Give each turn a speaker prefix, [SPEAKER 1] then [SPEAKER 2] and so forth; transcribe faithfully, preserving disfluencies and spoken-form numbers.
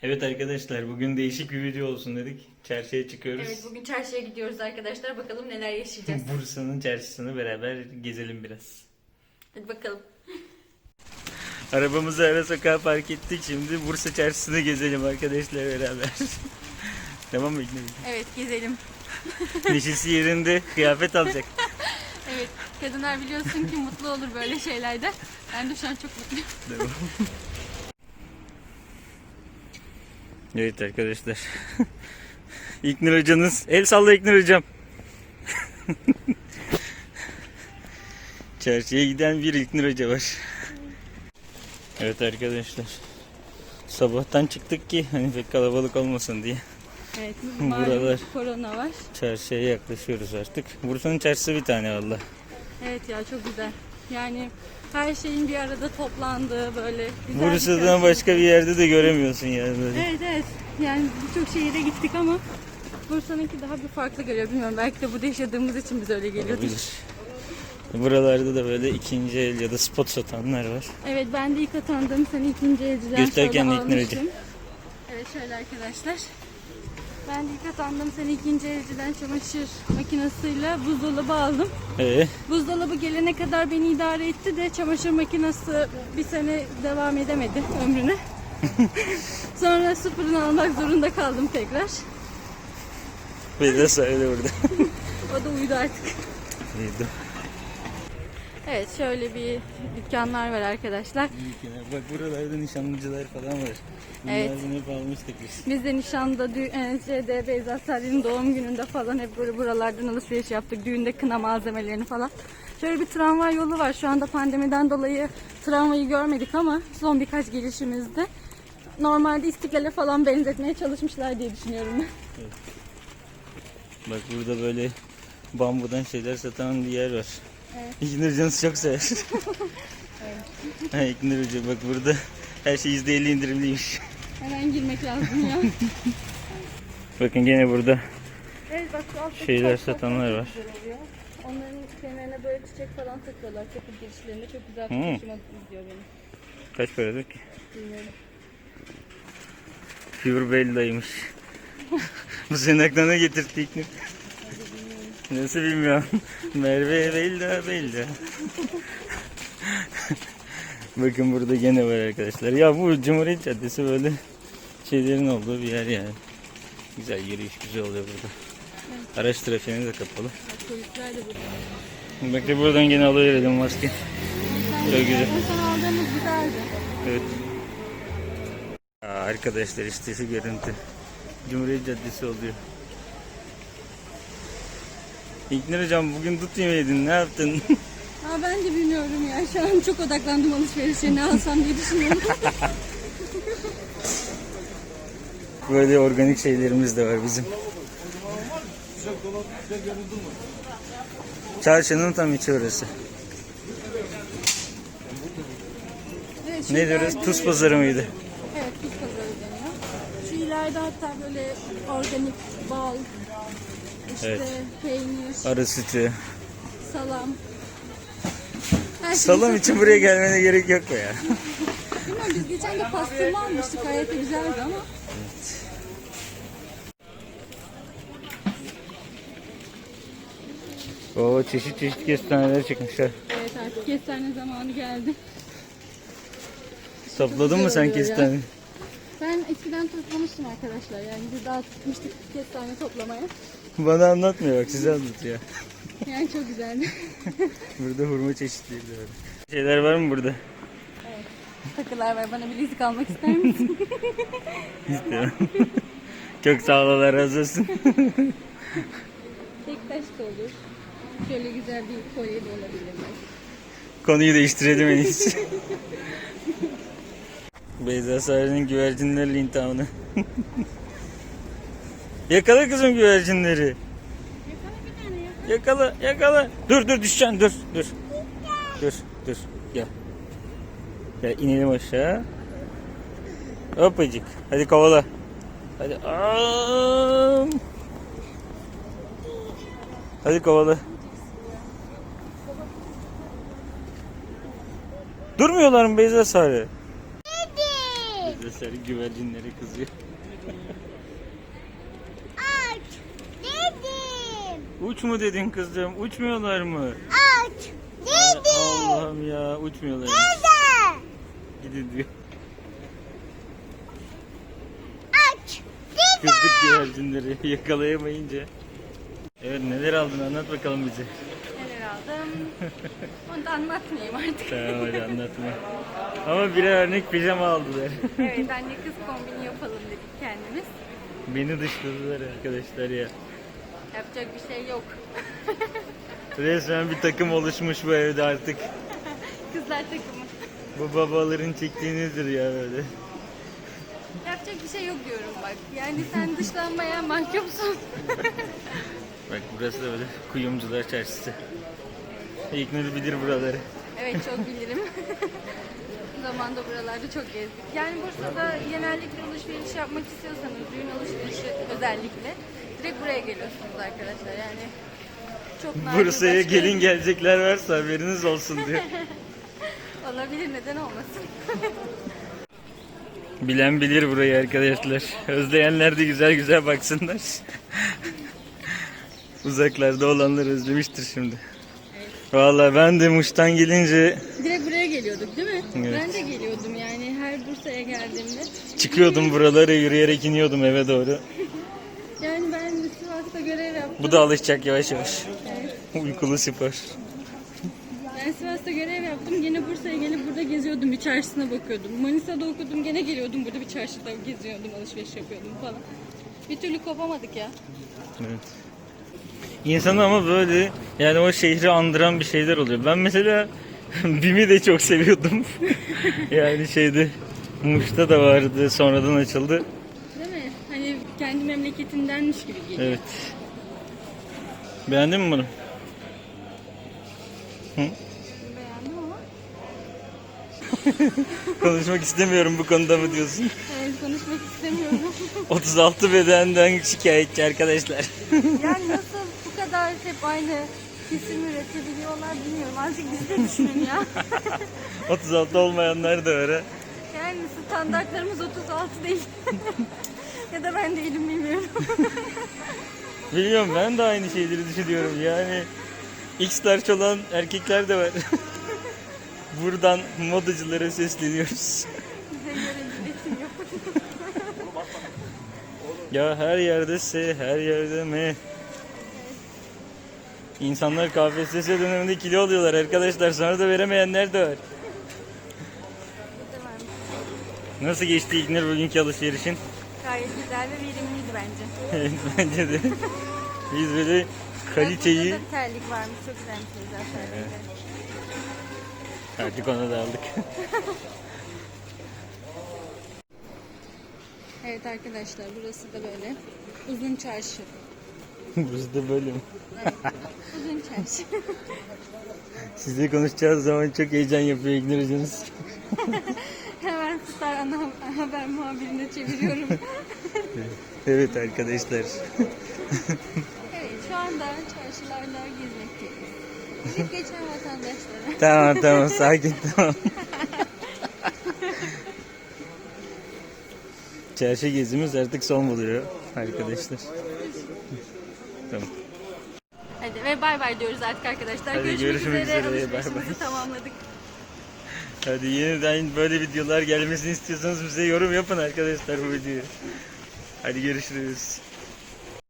[SPEAKER 1] Evet arkadaşlar, bugün değişik bir video olsun dedik. Çarşıya çıkıyoruz.
[SPEAKER 2] Evet, bugün çarşıya gidiyoruz arkadaşlar. Bakalım neler yaşayacağız.
[SPEAKER 1] Bursa'nın çarşısını beraber gezelim biraz.
[SPEAKER 2] Hadi bakalım.
[SPEAKER 1] Arabamızı ara sokağa park ettik. Şimdi Bursa çarşısını gezelim arkadaşlar beraber. Tamam mı İknur?
[SPEAKER 2] Evet, gezelim.
[SPEAKER 1] Neşesi yerinde, kıyafet alacak.
[SPEAKER 2] Evet, kadınlar biliyorsun ki mutlu olur böyle şeylerde. Ben de şu an çok mutluyum.
[SPEAKER 1] Tamam. Evet arkadaşlar. İknur hocanız. El salla İknur hocam. Çarşıya giden bir İknur hoca var. Evet arkadaşlar. Sabahtan çıktık ki hani pek kalabalık olmasın diye.
[SPEAKER 2] Evet,
[SPEAKER 1] Buralar.
[SPEAKER 2] malum korona var.
[SPEAKER 1] Çarşıya yaklaşıyoruz artık. Bursa'nın çarşısı bir tane valla.
[SPEAKER 2] Evet ya, çok güzel. Yani her şeyin bir arada toplandığı böyle güzel bir
[SPEAKER 1] Bursa'dan
[SPEAKER 2] çarşı.
[SPEAKER 1] başka bir yerde de göremiyorsun yani böyle.
[SPEAKER 2] Evet evet. Yani birçok şehire gittik ama Bursa'nınki daha bir farklı geliyor. Bilmiyorum, belki de burada yaşadığımız için biz öyle geliyordur.
[SPEAKER 1] Olabilir. Buralarda da böyle ikinci el ya da spot satanlar var.
[SPEAKER 2] Evet, ben de ilk atandığım sene ikinci elciden
[SPEAKER 1] Göster
[SPEAKER 2] şöyle
[SPEAKER 1] kendini İknur
[SPEAKER 2] almıştım. Evet, şöyle arkadaşlar. Ben de ilk atandığım sene ikinci elciden çamaşır makinesiyle buzdolabı aldım.
[SPEAKER 1] Ee,
[SPEAKER 2] Buzdolabı gelene kadar beni idare etti de çamaşır makinesi bir sene devam edemedi ömrüne. Sonra sıfırını almak zorunda kaldım tekrar.
[SPEAKER 1] bir de söyle burada.
[SPEAKER 2] O da uyudu artık.
[SPEAKER 1] İyiydi.
[SPEAKER 2] Evet, şöyle bir dükkanlar var arkadaşlar.
[SPEAKER 1] Bak buralarda nişanlıcılar falan var.
[SPEAKER 2] Evet.
[SPEAKER 1] Bunlardan hep almıştık biz.
[SPEAKER 2] Biz de nişanda, dü- e, şeyde, Beyza Sarı'nın doğum gününde falan hep böyle buralardan alışveriş yaptık. Düğünde kına malzemelerini falan. Şöyle bir tramvay yolu var. Şu anda pandemiden dolayı tramvayı görmedik ama son birkaç gelişimizde normalde İstiklal'e falan benzetmeye çalışmışlar diye düşünüyorum ben.
[SPEAKER 1] Evet. Bak burada böyle bambudan şeyler satan bir yer var.
[SPEAKER 2] Evet.
[SPEAKER 1] İknur Hocanız çok sever.
[SPEAKER 2] Evet.
[SPEAKER 1] Ha, İknur Hoca bak burada her şey yüzde elli indirimliymiş.
[SPEAKER 2] Hemen girmek lazım ya.
[SPEAKER 1] Bakın gene burada
[SPEAKER 2] Evet, bak şu alttaki
[SPEAKER 1] şeyler
[SPEAKER 2] taşlar
[SPEAKER 1] satanlar
[SPEAKER 2] çok
[SPEAKER 1] var.
[SPEAKER 2] güzel oluyor. Onların kenarına böyle çiçek falan takıyorlar. Kapı girişlerinde çok güzel, çok
[SPEAKER 1] Hmm.
[SPEAKER 2] hoşuma gidiyor benim.
[SPEAKER 1] Kaç paradır ki?
[SPEAKER 2] Bilmiyorum.
[SPEAKER 1] Pure Bella'ymış. Bu senin aklına getirdi İknur. Nasıl bilmiyorum. Merve Bella Bella. Bakın burada gene var arkadaşlar. Ya bu Cumhuriyet Caddesi böyle şeylerin olduğu bir yer yani. Güzel yürüyüş güzel oluyor burada. Araç trafiğine de kapalı.
[SPEAKER 2] Bak, polisler de burada.
[SPEAKER 1] Bak de buradan gene alıverelim maske. Çok güzel.
[SPEAKER 2] En son aldığımız güzeldi.
[SPEAKER 1] Evet. Aa, arkadaşlar işte şu görüntü. Cumhuriyet Caddesi oluyor. İknur hocam bugün dut yemeydin, ne yaptın?
[SPEAKER 2] Aa, ben de bilmiyorum ya. Şu an çok odaklandım alışverişe. Ne alsam diye düşünüyorum.
[SPEAKER 1] Böyle organik şeylerimiz de var bizim. Çarşının tam içi orası.
[SPEAKER 2] Evet, şu
[SPEAKER 1] Ne diyoruz?
[SPEAKER 2] ileride-
[SPEAKER 1] Tuz pazarı mıydı?
[SPEAKER 2] Evet, tuz pazarı deniyor. Şu ileride hatta böyle organik bal, işte
[SPEAKER 1] Evet.
[SPEAKER 2] peynir,
[SPEAKER 1] Arı sütü.
[SPEAKER 2] salam. Her şey
[SPEAKER 1] Salam için buraya gelmene gerek yok mu ya?
[SPEAKER 2] Bilmiyorum, biz geçen de pastırma almıştık. Gayet de güzeldi ama.
[SPEAKER 1] Oo, çeşit çeşit kestaneler çıkmışlar.
[SPEAKER 2] Evet, artık kestane zamanı geldi.
[SPEAKER 1] Topladın mı
[SPEAKER 2] güzel
[SPEAKER 1] sen
[SPEAKER 2] oluyor ya.
[SPEAKER 1] kestane?
[SPEAKER 2] Ben eskiden toplamıştım arkadaşlar. Yani biz daha tutmuştuk kestane toplamaya.
[SPEAKER 1] Bana anlatmıyor bak, size anlatıyor.
[SPEAKER 2] Yani çok güzeldi.
[SPEAKER 1] Burada hurma çeşitleri de var. Şeyler var mı burada?
[SPEAKER 2] Evet. Takılar var. Bana bilezik almak ister misin?
[SPEAKER 1] İstiyorum. Çok sağ ol, Allah razı olsun.
[SPEAKER 2] Tek taş da olur. Şöyle güzel bir kolye de olabilir belki.
[SPEAKER 1] Konuyu değiştirelim en iyisi. Beyza Sarı'nın güvercinlerle intihamını. Yakala kızım güvercinleri.
[SPEAKER 2] Yakala bir tane ya.
[SPEAKER 1] Yakala, yakala. Dur dur düşeceksin, dur dur. Dur dur gel. Gel inelim aşağı. Hopacık. Hadi kovala. Hadi. Aa! Hadi kovala. Durmuyorlar mı Beyza Sarı? Arkadaşlar güvercinlere kızıyor.
[SPEAKER 3] Aç dedim.
[SPEAKER 1] Uç mu dedin kızım? Uçmuyorlar mı?
[SPEAKER 3] Aç dedim.
[SPEAKER 1] Allah'ım ya, uçmuyorlar.
[SPEAKER 3] Dede.
[SPEAKER 1] Gidin diyor.
[SPEAKER 3] Aç dedim.
[SPEAKER 1] Kızdık güvercinleri yakalayamayınca. Evet, neler aldın, anlat bakalım bize.
[SPEAKER 2] Neler aldım? Onu da anlatmayayım artık.
[SPEAKER 1] Tamam hadi anlatma. Ama birer örnek pijama aldılar.
[SPEAKER 2] Evet, anne kız kombini yapalım dedik kendimiz.
[SPEAKER 1] Beni dışladılar arkadaşlar ya.
[SPEAKER 2] Yapacak bir şey yok.
[SPEAKER 1] Resmen bir takım oluşmuş bu evde artık.
[SPEAKER 2] Kızlar takımı.
[SPEAKER 1] Bu babaların çektiğinizdir ya böyle.
[SPEAKER 2] Yapacak bir şey yok diyorum bak. Yani sen dışlanmaya mahkumsun.
[SPEAKER 1] Bak burası da böyle kuyumcular çarşısı. İlknur bilir buraları.
[SPEAKER 2] Evet, çok bilirim. Zamanında buralarda çok gezdik. Yani Bursa'da genellikle alışveriş yapmak istiyorsanız, düğün alışverişi özellikle direkt buraya geliyorsunuz arkadaşlar. Yani çok nadir
[SPEAKER 1] Bursa'ya
[SPEAKER 2] başka-
[SPEAKER 1] gelin gelecekler varsa haberiniz olsun diyor.
[SPEAKER 2] Olabilir, neden olmasın.
[SPEAKER 1] Bilen bilir burayı arkadaşlar. Özleyenler de güzel güzel baksınlar. Uzaklarda olanlar özlemiştir şimdi. Vallahi ben de Muş'tan gelince
[SPEAKER 2] Direkt buraya geliyorduk değil mi?
[SPEAKER 1] Evet.
[SPEAKER 2] Ben de geliyordum yani her Bursa'ya geldiğimde.
[SPEAKER 1] çıkıyordum buralara, yürüyerek iniyordum eve doğru.
[SPEAKER 2] Yani ben Sivas'ta görev yaptım.
[SPEAKER 1] Bu da alışacak yavaş yavaş.
[SPEAKER 2] Evet.
[SPEAKER 1] Uykulu spor.
[SPEAKER 2] Ben Sivas'ta görev yaptım. Gene Bursa'ya gelip burada geziyordum. Bir çarşısına bakıyordum. Manisa'da okudum. Gene geliyordum. Burada bir çarşıda geziyordum. Alışveriş yapıyordum falan. Bir türlü kopamadık ya.
[SPEAKER 1] Evet. İnsanı ama böyle yani o şehri andıran bir şeyler oluyor. Ben mesela BİM'i de çok seviyordum. Yani şeyde Muş'ta da vardı, sonradan açıldı.
[SPEAKER 2] Değil mi? Hani kendi memleketindenmiş gibi geliyor.
[SPEAKER 1] Evet. Beğendin mi bunu? Hı?
[SPEAKER 2] Beğendim ama.
[SPEAKER 1] Konuşmak istemiyorum bu konuda mı diyorsun?
[SPEAKER 2] Evet, konuşmak istemiyorum.
[SPEAKER 1] otuz altı bedenden şikayetçi arkadaşlar.
[SPEAKER 2] Yani nasıl bu kadar hep aynı kesim üretebiliyorlar bilmiyorum. Azıcık biz de düşünün ya.
[SPEAKER 1] otuz altı olmayanlar da var ha.
[SPEAKER 2] Yani standartlarımız otuz altı değil. Ya da ben değilim, bilmiyorum.
[SPEAKER 1] Biliyorum, ben de aynı şeyleri düşünüyorum yani. X-large olan erkekler de var. Buradan modacılara sesleniyoruz.
[SPEAKER 2] Bize göre üretim yok.
[SPEAKER 1] Ya her yerde S, her yerde M. İnsanlar K P S S döneminde kilo alıyorlar arkadaşlar. Sonra da veremeyenler de var.
[SPEAKER 2] Burada varmış.
[SPEAKER 1] Nasıl geçti İlknur bugünkü alışverişin?
[SPEAKER 2] Gayet güzel ve verimliydi bence.
[SPEAKER 1] Evet, bence de. Biz böyle
[SPEAKER 2] Bak,
[SPEAKER 1] kaliteyi...
[SPEAKER 2] burada da bir terlik varmış. Çok güzelmiş güzel terlikler.
[SPEAKER 1] Artık onu da aldık.
[SPEAKER 2] Evet arkadaşlar, burası da böyle uzun çarşı.
[SPEAKER 1] Burası da böyle mi?
[SPEAKER 2] Evet, uzun çarşı.
[SPEAKER 1] Sizle konuşacağız zaman çok heyecan yapıyor İlknur hocanız.
[SPEAKER 2] Hemen Star ana haber muhabirine çeviriyorum.
[SPEAKER 1] Evet arkadaşlar.
[SPEAKER 2] Evet, şu anda çarşılarda gezmekteyiz. Gidip geçen vatandaşlara.
[SPEAKER 1] Tamam tamam, sakin, tamam. Çarşı gezimiz artık son buluyor arkadaşlar. Tamam.
[SPEAKER 2] Hadi ve bay bay diyoruz artık arkadaşlar.
[SPEAKER 1] Hadi
[SPEAKER 2] Görüşmek,
[SPEAKER 1] görüşmek
[SPEAKER 2] üzere.
[SPEAKER 1] üzere, bay bay.
[SPEAKER 2] Alışverişimizi tamamladık.
[SPEAKER 1] Hadi yeniden böyle videolar gelmesini istiyorsanız bize yorum yapın arkadaşlar bu videoyu. Hadi görüşürüz.